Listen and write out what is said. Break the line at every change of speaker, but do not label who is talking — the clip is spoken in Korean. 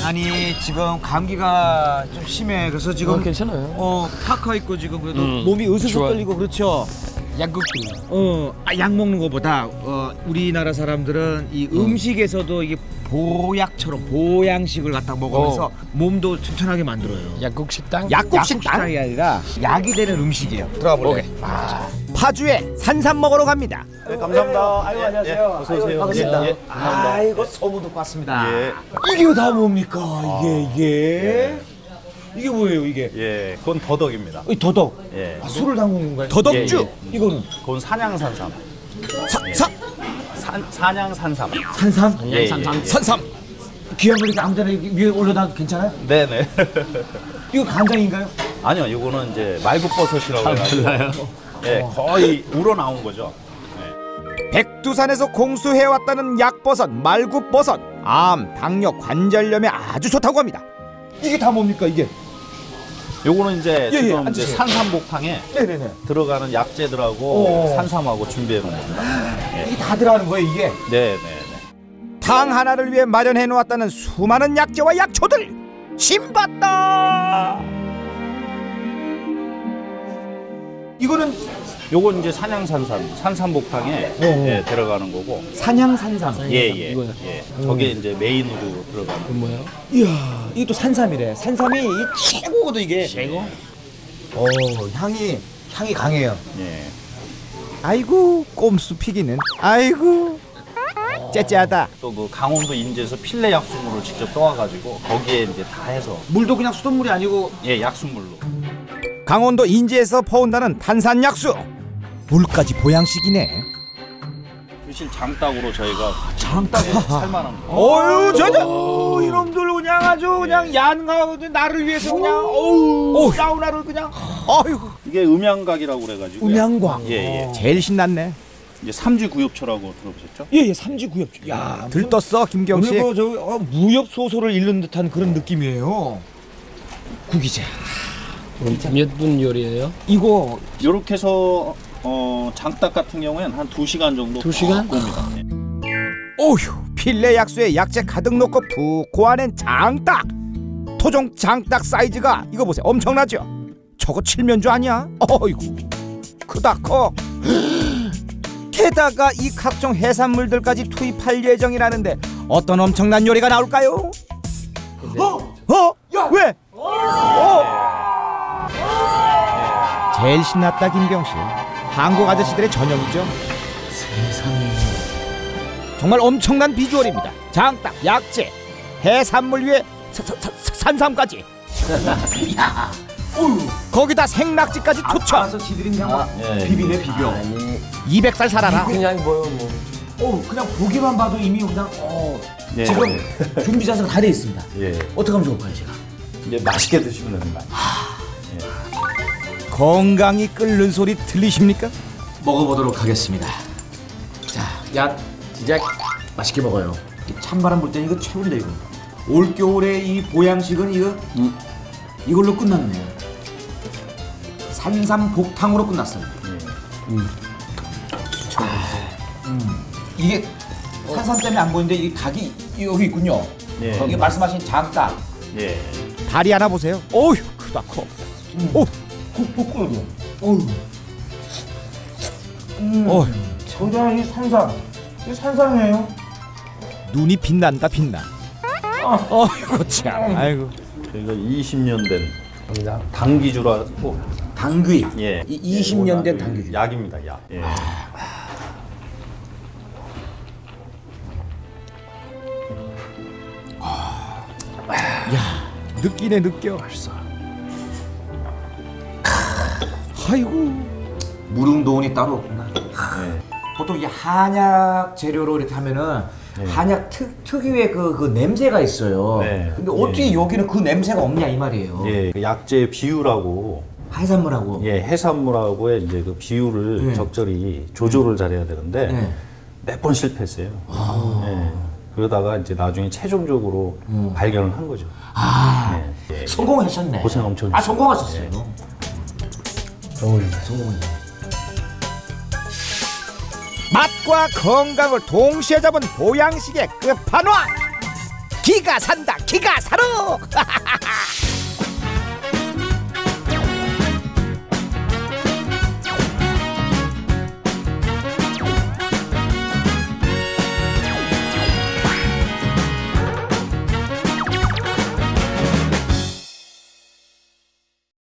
아니 지금 감기가 좀 심해. 그래서 지금
괜찮아요.
파카 입고 지금 그래도 몸이 으스스 떨리고 그렇죠.
약국도.
약 먹는 것보다 우리나라 사람들은 이 음식에서도 이게 보약처럼 보양식을 갖다 먹으면서 몸도 튼튼하게 만들어요.
약국 식당?
약국 식당이 아니라 약이 되는 음식이에요. 들어가 볼래? 파주에 산삼 먹으러 갑니다.
네, 감사합니다.
아이고 안녕하세요.
어서 오세요.
반갑습니다.
예, 감사합니다.
아이고 소문 듣고 왔습니다.
예.
이게 다 뭡니까? 이게 뭐예요 이게?
예, 그건 더덕입니다.
이 더덕.
예.
술을 담근 건가요? 더덕주. 이거는
그건 산양산삼. 산양산삼.
산삼.
예,
산삼. 귀한 걸 이렇게 아무데나 위에 올려놔도 괜찮아요?
네네.
이거 간장인가요?
아니요, 이거는 이제 말굽버섯이라고 해가지고. 예, 거의 우러나온 거죠.
백두산에서 공수해왔다는 약버섯, 말굽버섯. 암, 당뇨, 관절염에 아주 좋다고 합니다.
이게 다 뭡니까 이게?
요거는 이제 지금 이제
앉으세요.
산삼복탕에
네네네.
들어가는 약재들하고 산삼하고 준비해 놓은 겁니다.
이게 다 들어가는 거예요 이게?
네네.
탕 하나를 위해 마련해 놓았다는 수많은 약재와 약초들. 신받다.
이거는
요건 이제 산삼복탕에 예, 들어가는 거고.
산양산삼.
예. 저게 이제 메인으로 들어가는 거.
뭐예요?
이야, 이게 또 산삼이래. 산삼이 최고거든 이게.
최고?
향이 강해요.
예.
아이고 꼼수 피기는. 아이고 째째하다.
또 그 강원도 인제에서 필레 약수물을 직접 떠와가지고 거기에 이제 다 해서
물도 그냥 수돗물이 아니고
약수물로.
강원도 인제에서 퍼온다는 탄산약수. 물까지 보양식이네.
사실 장닭으로 저희가
장닭
살만한 거.
어유 저저 이놈들 그냥 아주 그냥 얀가 나를 위해서 그냥 사우나를 그냥.
아이고
이게 음양각이라고 그래가지고.
음양광.
예.
제일 신났네.
이제 삼지구엽초라고 들어보셨죠?
예, 삼지구엽. 야,
들떴어 김경씨.
오늘 무협 소설을 읽는 듯한 그런 느낌이에요. 구기자.
몇 분 요리예요?
이거
요렇게 해서 장닭 같은 경우에는 한 2시간 정도
2시간?
굽니다.
오휴 필레 약수에 약재 가득 넣고 푹 고아낸 장닭. 토종 장닭 사이즈가 이거 보세요 엄청나죠? 저거 칠면조 아니야? 어이구 크다 커. 게다가 이 각종 해산물들까지 투입할 예정이라는데 어떤 엄청난 요리가 나올까요? 왜? 제일 신났다 김경씨. 한국 아저씨들의 전형이죠.
세상에.
정말 엄청난 비주얼입니다. 장닭, 약재, 해산물 위에 산삼까지. 거기다 생낙지까지 투척.
알아서 지들이 그냥 비비네 비벼.
200살 살아라.
그냥 뭐요 뭐.
그냥 보기만 봐도 이미 그냥
예.
지금 준비 자세가 다 돼 있습니다.
예.
어떻게 하면 좋을까요 제가?
이제 맛있게 드시면 됩니다.
건강이 끓는 소리 들리십니까?
먹어보도록 하겠습니다. 자, 야 진짜 맛있게 먹어요. 찬바람 불 때 이거 최고인데 이거. 올 겨울에 이 보양식은 이거 이걸로 끝났네요. 산삼 복탕으로 끝났어요. 이게 산삼 때문에 안 보이는데 이 닭이 여기 있군요.
예.
이게 말씀하신 장닭.
예.
다리 하나 보세요. 어휴 크다 커. 오,
볶고요. 어휴. 저장 이 산삼. 이 산삼이에요.
눈이 빛난다 빛나. 어이구 참. 아이고.
저희가 20년 된 당귀주라고.
당귀.
예.
20년 된 당귀.
약입니다, 약. 예.
느끼네 느껴.
벌써.
아이고.
무릉도원이 따로 없구나.
예.
보통 이 한약 재료로 이렇게 하면은 한약 특유의 그 냄새가 있어요.
네.
근데 어떻게 여기는 그 냄새가 없냐 이 말이에요.
예. 그 약재 비율하고
해산물하고.
해산물하고의 이제 그 비율을 적절히 조절을 잘해야 되는데 몇 번 실패했어요. 예. 그러다가 이제 나중에 최종적으로 발견을 한 거죠. 예.
성공하셨네.
고생 엄청
성공하셨어요. 성공했네.
맛과 건강을 동시에 잡은 보양식의 끝판왕 기가 산다 기가 살아.